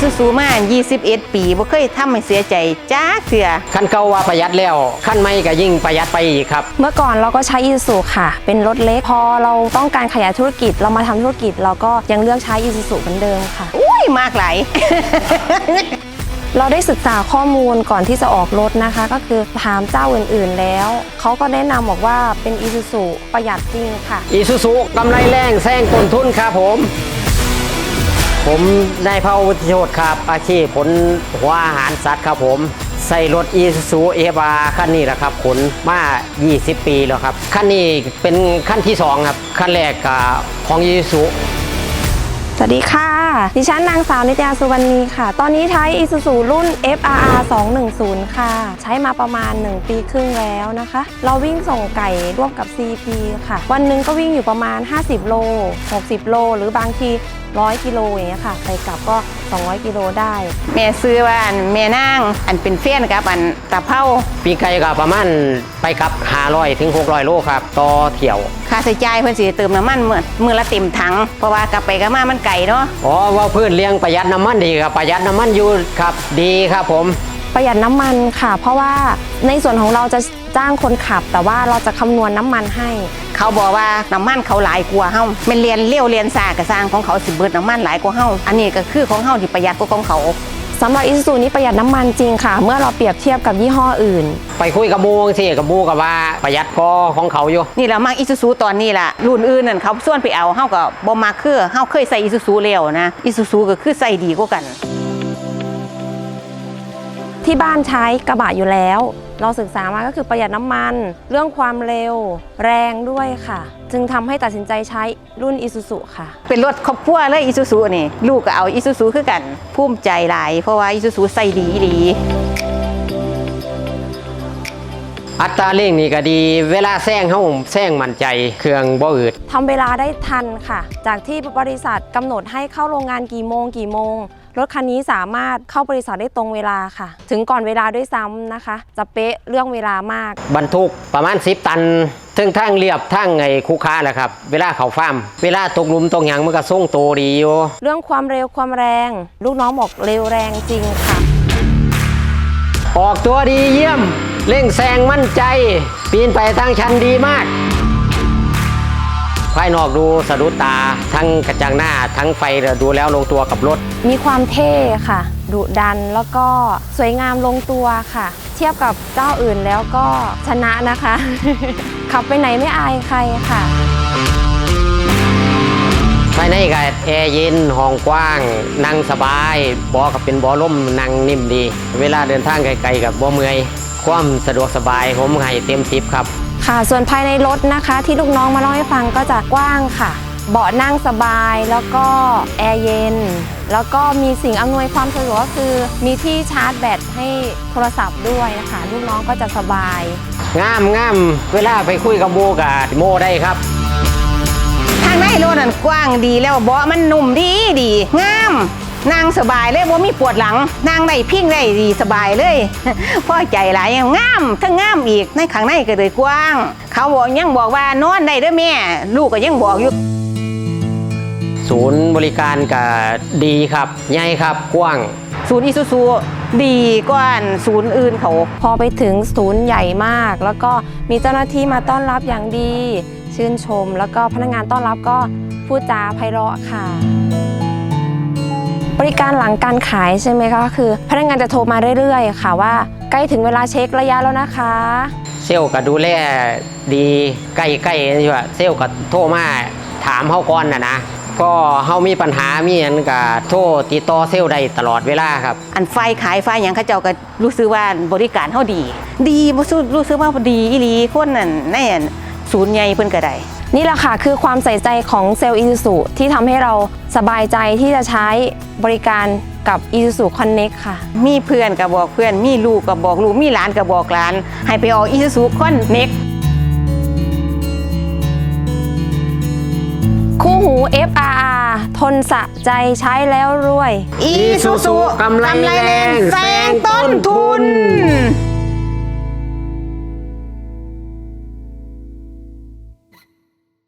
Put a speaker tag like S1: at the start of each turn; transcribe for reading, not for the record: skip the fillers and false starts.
S1: ซูซูมา21 ปีบ่เคยทำให้เสียใจจ้าเถื่อ
S2: คันเก่าว่าประหยัดแล้วคันใหม่ก็ยิ่งประหยัดไปอีกครับ
S3: เมื่อก่อนเราก็ใช้อีซูซูค่ะเป็นรถเล็กพอเราต้องการขยายธุรกิจเรามาทำธุรกิจเราก็ยังเลือกใช้อีซูซูเหมือนเดิมค่ะ
S1: อุ้ยมากหลาย
S3: เราได้ศึกษาข้อมูลก่อนที่จะออกรถนะคะก็คือถามเจ้าอื่นๆแล้วเขาก็แนะนำบอกว่าเป็นอีซูซูประหยัดจริงค่ะ
S2: อีซูซูกำไรแรงแซงต้นทุนครับผมนายเผ่าวุฒิโชติครับอาชีพขนหัวอาหารสัตว์ครับผมใส่รถอีซูซูเอฟาคันนี้แหละครับขนมา20 ปีแล้วครับคันนี้เป็นขั้นที่2ครับขั้นแรกของอีซูซู
S3: สวัสดีค่ะดิฉันนางสาวนิตยาสุวรรณีค่ะตอนนี้ใช้ Isuzu รุ่น FRR 210ค่ะใช้มาประมาณ1 ปีครึ่งแล้วนะคะเราวิ่งส่งไก่ร่วมกับ CP ค่ะวันหนึ่งก็วิ่งอยู่ประมาณ50 โล60 โลหรือบางที100 กิโลอย่างเงี้ยค่ะไปกลับก็200 กิโลได้
S1: แม่ซื้อว่าแม่นางเป็นเฟี้ยนกับตะเภา
S2: ปีไก่ก็ประมาณไปกับ500 ถึง 600 โลครับต่อเที่ยว
S1: ค่าใช้จ่ายเพิ่นสิเติมน้ำมันมื้อละเต็มถังเพราะว่ากลับไปกลับมามันไกลเนาะ
S2: ว่าเพื่อนเลี้ยงประหยัดน้ำมันดีครับประหยัดน้ำมันอยู่ครับดีครับผม
S3: ประหยัดน้ำมันค่ะเพราะว่าในส่วนของเราจะจ้างคนขับแต่ว่าเราจะคำนวณน้ำมันให้
S1: เขาบอกว่าน้ำมันเขาหลายกว่าเฮาแม่นเรียนเลี้ยวเรียนซ่าก็สร้างของเขาสิเบิดน้ำมันหลายกว่าเฮาอันนี้ก็คือของเฮาที่ประหยัดกว่าของเขา
S3: สำหรับ Isuzu นี้ประหยัดน้ำมันจริงค่ะเมื่อเราเปรียบเทียบกับยี่ห้ออื่น
S2: ไปคุยกับบูสิกับบูกับว่าประหยัดก็ของเขาอยู่
S1: นี่เรามัก Isuzu ตอนนี้ล่ะรุ่นอื่นนั่นเขาส่วนไปเอาเฮาก็บ่มักคือเฮาเคยใส่ Isuzu แล้วนะ Isuzu ก็คือใส่ดีกว่ากัน
S3: ที่บ้านใช้กระบะอยู่แล้วเราศึกษามาก็คือประหยัดน้ำมันเรื่องความเร็วแรงด้วยค่ะจึงทำให้ตัดสินใจใช้รุ่น Isuzu ค่ะ
S1: เป็นรถครอบครัวเลย Isuzu นี่ลูกก็เอา Isuzu คือกันภูมิใจหลายเพราะว่า Isuzu ใส่ดี
S2: อัตราเร่งนี่ก็ดีเวลาแซงมั่นใจเครื่องบ่อืด
S3: ทำเวลาได้ทันค่ะจากที่บริษัทกำหนดให้เข้าโรงงานกี่โมงรถคันนี้สามารถเข้าบริษัทได้ตรงเวลาค่ะถึงก่อนเวลาด้วยซ้ำนะคะจะเป๊ะเรื่องเวลามาก
S2: บรรทุกประมาณ10 ตันถึงทางเรียบทางคูค้าแหละครับเวลาเขาฟาร์มเวลาตกหลุมตกหยังมันก็ส่งโตดีอยู่
S3: เรื่องความเร็วความแรงลูกน้องบอกเร็วแรงจริงค่ะ
S2: ออกตัวดีเยี่ยมเร่งแซงมั่นใจปีนไปทางชันดีมากภายนอกดูสะดุดตาทั้งกระจังหน้าทั้งไฟดูแล้วลงตัวกับรถ
S3: มีความเท่ค่ะดุดันแล้วก็สวยงามลงตัวค่ะเทียบกับเจ้าอื่นแล้วก็ชนะนะคะ ขับไปไหนไม่อายใครค่ะ
S2: ภายในก็แอร์เย็นห้องกว้างนั่งสบายบอก็เป็นบ่อล่มนั่งนิ่มดีเวลาเดินทางไกลๆกับบ่เมื่อยความสะดวกสบายผมให้เต็ม10ครับ
S3: ค่ะส่วนภายในรถนะคะที่ลูกน้องมาเล่าให้ฟังก็จะกว้างค่ะเบาะนั่งสบายแล้วก็แอร์เย็นแล้วก็มีสิ่งอำนวยความสะดวกก็คือมีที่ชาร์จแบตให้โทรศัพท์ด้วยนะคะลูกน้องก็จะสบาย
S2: งามเวลาไปคุยกับโมกับโมได้ครับ
S1: ทางในรถนั่นกว้างดีแล้วเบาะมันนุ่มดีงามนั่งสบายเลยบ่มีปวดหลังนั่งได้พิงได้ดีสบายเลยพอใจหลายงามทั้งงามอีกในข้างในก็เลยกว้างเขายังบอกว่านอนได้เด้อแม่ลูกก็ยังบอกอยู่
S2: ศูนย์บริการก็ดีครับใหญ่ครับกว้าง
S1: ศูนย์ Isuzu ดีกว่าศูนย์อื่นเขา
S3: พอไปถึงศูนย์ใหญ่มากแล้วก็มีเจ้าหน้าที่มาต้อนรับอย่างดีชื่นชมแล้วก็พนักงานต้อนรับก็พูดจาไพเราะค่ะบริการหลังการขายใช่ไหมคะคือพนักงานจะโทรมาเรื่อยๆค่ะว่าใกล้ถึงเวลาเช็คระยะแล้วนะคะ
S2: เซลล์ก็ดูแลดีใกล้ๆอยู่เซลล์ก็โทรมาถามเขาก่อนนะก็เขามีปัญหามีอันก็โทรติดต่อเซลล์ได้ตลอดเวลาครับ
S1: อันไฟขายไฟอย่างเขาเจ้าก็รู้สึกว่าบริการเขาดีรู้สึกว่าดีอีหลีคนนั่นในศูนย์ใหญ่เพิ่นก็ได้
S3: นี่แหละค่ะคือความใส่ใจของเซลล์ Isuzu ที่ทำให้เราสบายใจที่จะใช้บริการกับ Isuzu Connect ค่ะ
S1: มีเพื่อนก็บอกเพื่อนมีลูกก็บอกลูกมีหลานก็บอกหลานให้ไปออก Isuzu Connect
S3: คู่หู FRR ทนสะใจใช้แล้วรวย
S1: Isuzu กำไรแรงแซงต้นทุน